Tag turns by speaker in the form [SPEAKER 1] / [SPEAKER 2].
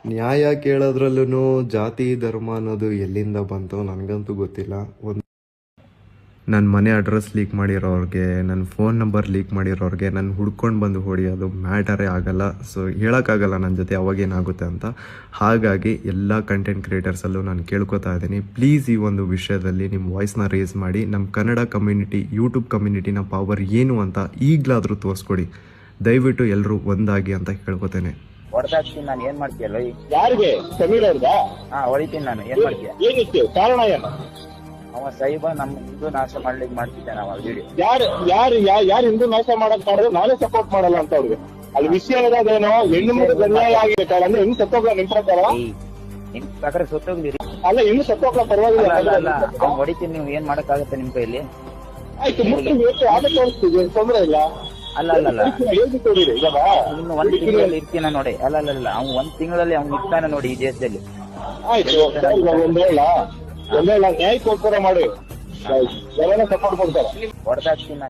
[SPEAKER 1] ನ್ಯಾಯ ಕೇಳೋದ್ರಲ್ಲೂ ಜಾತಿ ಧರ್ಮ ಅನ್ನೋದು ಎಲ್ಲಿಂದ ಬಂತು ನನಗಂತೂ ಗೊತ್ತಿಲ್ಲ. ನನ್ನ ಮನೆ ಅಡ್ರೆಸ್ ಲೀಕ್ ಮಾಡಿರೋರಿಗೆ, ನನ್ನ ಫೋನ್ ನಂಬರ್ ಲೀಕ್ ಮಾಡಿರೋರಿಗೆ ನಾನು ಹುಡ್ಕೊಂಡು ಬಂದು ಹೊಡಿಯೋದು ಮ್ಯಾಟರೇ ಆಗಲ್ಲ. ಸೊ ಹೇಳೋಕ್ಕಾಗಲ್ಲ ನನ್ನ ಜೊತೆ ಅವಾಗೇನಾಗುತ್ತೆ ಅಂತ. ಹಾಗಾಗಿ ಎಲ್ಲ ಕಂಟೆಂಟ್ ಕ್ರಿಯೇಟರ್ಸಲ್ಲೂ ನಾನು ಕೇಳ್ಕೊತಾ ಇದ್ದೀನಿ, ಪ್ಲೀಸ್ ಈ ಒಂದು ವಿಷಯದಲ್ಲಿ ನಿಮ್ಮ ವಾಯ್ಸ್ನ ರೇಸ್ ಮಾಡಿ. ನಮ್ಮ ಕನ್ನಡ ಕಮ್ಯುನಿಟಿ, ಯೂಟ್ಯೂಬ್ ಕಮ್ಯುನಿಟಿನ ಪವರ್ ಏನು ಅಂತ ಈಗಲಾದರೂ ತೋರಿಸ್ಕೊಡಿ. ದಯವಿಟ್ಟು ಎಲ್ಲರೂ ಒಂದಾಗಿ ಅಂತ ಕೇಳ್ಕೊತೇನೆ.
[SPEAKER 2] ಹೊಡೆದಾಕ್ತೀನಿ ನಾನು, ಏನ್ ಮಾಡ್ತೀಯಲ್ಲ?
[SPEAKER 3] ಯಾರಿಗೆ? ಸಮೀರ್ ಅವ್ರಿಗ?
[SPEAKER 2] ಹೊಡಿತೀನಿ ನಾನು, ಏನ್ ಮಾಡ್ತೀಯ?
[SPEAKER 3] ಏನಿತ್ತು ಕಾರಣ ಏನು?
[SPEAKER 2] ಅವ ಸೈಬ ನಮ್ಮ ಹಿಂದೂ ನಾಶ ಮಾಡ್ಲಿಕ್ಕೆ ಮಾಡ್ತಿದ್ದಾನೆ ಅವ ವಿಡಿಯೋ.
[SPEAKER 3] ಯಾರು ಹಿಂದೂ ನಾಶ ಮಾಡಕ್ ಮಾಡಿದ್ರೆ ನಾನೇ ಸಪೋರ್ಟ್ ಮಾಡಲ್ಲ ಅಂತ ಅವ್ರಿಗೆ. ಅಲ್ಲಿ ವಿಷಯ ಇರೋದೇನೋ, ಹೆಣ್ಣು ಮಗು ಅನ್ಯಾಯ ಆಗಿದೆ ಕಾರಣ ಹೆಣ್ಣು ಸತ್ತೋಗ್ಲ ನಿಮ್ ಪ್ರಕಾರ?
[SPEAKER 2] ನಿಮ್ ಪ್ರಕಾರ ಸತ್ತೋಗ್ಲಿರಿ.
[SPEAKER 3] ಅಲ್ಲ, ಹೆಣ್ಣು ಸತ್ತೋಗ್ಲ ಪರವಾಗಿಲ್ಲ.
[SPEAKER 2] ಅವ್ನು ಹೊಡಿತೀನಿ, ನೀವು ಏನ್ ಮಾಡಕ್ಕಾಗತ್ತೆ ನಿಮ್ ಕೈಲಿ?
[SPEAKER 3] ಆಯ್ತು, ಮುಟ್ಟು ಆಗ ತೋರಿಸ್ತೀವಿ, ತೊಂದ್ರೆ ಇಲ್ಲ.
[SPEAKER 2] ಅಲ್ಲ
[SPEAKER 3] ಹೇಳ್ಬಿಟ್ಟು
[SPEAKER 2] ಇನ್ನು ಒಂದ್ ತಿಂಗಳಲ್ಲಿ ಇರ್ತೀನ ನೋಡಿ. ಅಲ್ಲ ಅವ್ನು ಒಂದ್ ತಿಂಗಳಲ್ಲಿ ಅವ್ನು ಇರ್ತಾನೆ ನೋಡಿ ಈ ದೇಶದಲ್ಲಿ.
[SPEAKER 3] ಆಯ್ತು, ಒಂದೇಳ ನ್ಯಾಯಕ್ಕೋಸ್ಕರ ಮಾಡಿ, ಜನನ ಸಪೋರ್ಟ್ ಕೊಡ್ತಾರೆ.
[SPEAKER 2] ಹೊಡೆದಾಕ್ತೀನಿ.